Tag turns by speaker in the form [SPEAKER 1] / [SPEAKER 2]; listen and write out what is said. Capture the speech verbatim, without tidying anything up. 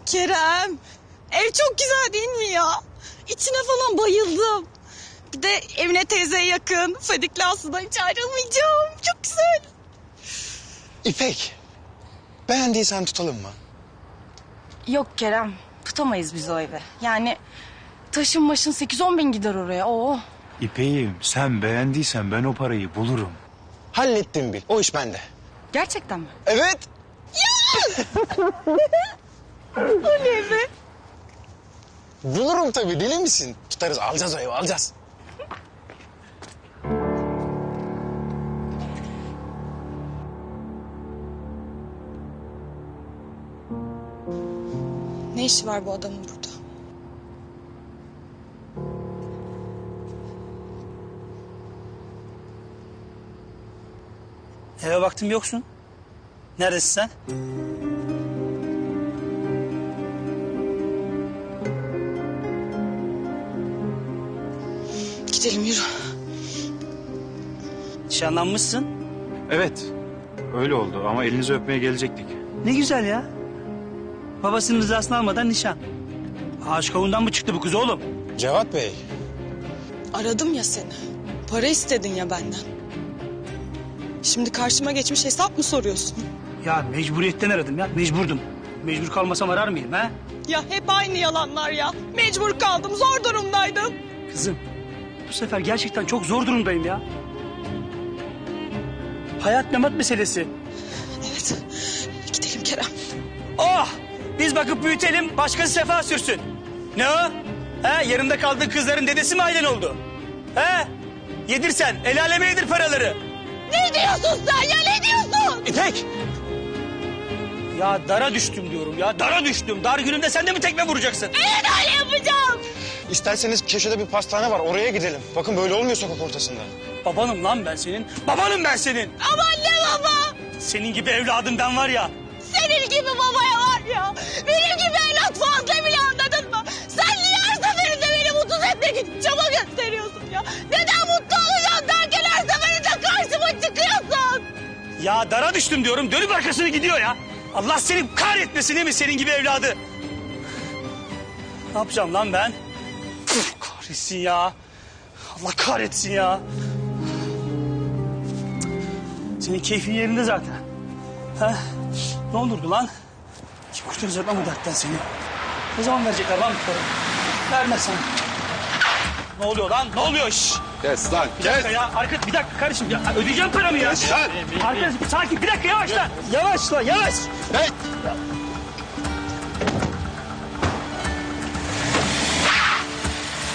[SPEAKER 1] Kerem, ev çok güzel değil mi ya? İçine falan bayıldım. Bir de Emine teyzeye yakın. Fadik'le Aslı'dan hiç ayrılmayacağım. Çok güzel.
[SPEAKER 2] İpek, beğendiysen tutalım mı?
[SPEAKER 1] Yok Kerem, tutamayız biz o evi. Yani taşın başın sekiz on bin gider oraya. Oo.
[SPEAKER 3] İpeğim, sen beğendiysen ben o parayı bulurum.
[SPEAKER 2] Hallettim bil, o iş bende.
[SPEAKER 1] Gerçekten mi?
[SPEAKER 2] Evet.
[SPEAKER 1] Oley be.
[SPEAKER 2] Bulurum tabii, deli misin? Tutarız, alacağız o evi, alacağız.
[SPEAKER 1] Ne işi var bu adamın burada?
[SPEAKER 4] Eve baktım yoksun. Neredesin sen?
[SPEAKER 1] Gidelim yürü.
[SPEAKER 4] Nişanlanmışsın.
[SPEAKER 3] Evet, öyle oldu ama elinizi öpmeye gelecektik.
[SPEAKER 4] Ne güzel ya. Babasının rızasını almadan nişan. Ağaç kavundan mı çıktı bu kız oğlum?
[SPEAKER 2] Cevat Bey,
[SPEAKER 1] Aradım ya seni. Para istedin ya benden. Şimdi karşıma geçmiş hesap mı soruyorsun?
[SPEAKER 4] Ya mecburiyetten aradım ya. Mecburdum. Mecbur kalmasam arar mıyım ha?
[SPEAKER 1] Ya hep aynı yalanlar ya. Mecbur kaldım, zor durumdaydım.
[SPEAKER 4] Kızım, bu sefer gerçekten çok zor durumdayım ya. Hayat memat meselesi.
[SPEAKER 1] Evet, gidelim Kerem.
[SPEAKER 4] Oh! Biz bakıp büyütelim, başkası sefa sürsün. Ne o? He, yarımda kaldığın kızların dedesi mi ailen oldu? He? Yedirsen, el aleme yedir paraları.
[SPEAKER 1] Ne diyorsun sen ya, ne diyorsun?
[SPEAKER 2] İpek!
[SPEAKER 4] Ya dara düştüm diyorum ya, dara düştüm. Dar günümde sen de mi tekme vuracaksın?
[SPEAKER 1] Evet öyle yapacağım.
[SPEAKER 2] İsterseniz köşede bir pastane var, oraya gidelim. Bakın böyle olmuyor sokak ortasında.
[SPEAKER 4] Babanım lan ben senin, babanım ben senin.
[SPEAKER 1] Aman ne baba?
[SPEAKER 4] Senin gibi evladım ben var ya.
[SPEAKER 1] Senin gibi babaya var ya. Benim gibi evlat fazla bile, anladın mı? Sen niye her seferinde beni mutsuz etmek için çaba gösteriyorsun ya? Neden mutlu olacağım derken her seferinde karşıma çıkıyorsun?
[SPEAKER 4] Ya dara düştüm diyorum, dönüp arkasını gidiyor ya. Allah seni kahretmesin değil mi senin gibi evladı? Ne yapacağım lan ben? Püf, kahretsin ya. Allah kahretsin ya. Senin keyfin yerinde zaten. Ha? Ne olurdu lan? Kim kurtaracak lan bu dertten seni? Ne zaman verecekler lan bu parayı? Vermezsen. Ne oluyor lan? Ne oluyor? Şşş!
[SPEAKER 2] Kes lan,
[SPEAKER 4] Bir dakika ya. Arka, bir dakika kardeşim. Ya, ödeyeceğim paramı ya.
[SPEAKER 2] Kes lan.
[SPEAKER 4] Arkadaş sakin. Bir dakika yavaş lan. Yavaş lan yavaş.
[SPEAKER 2] Hey!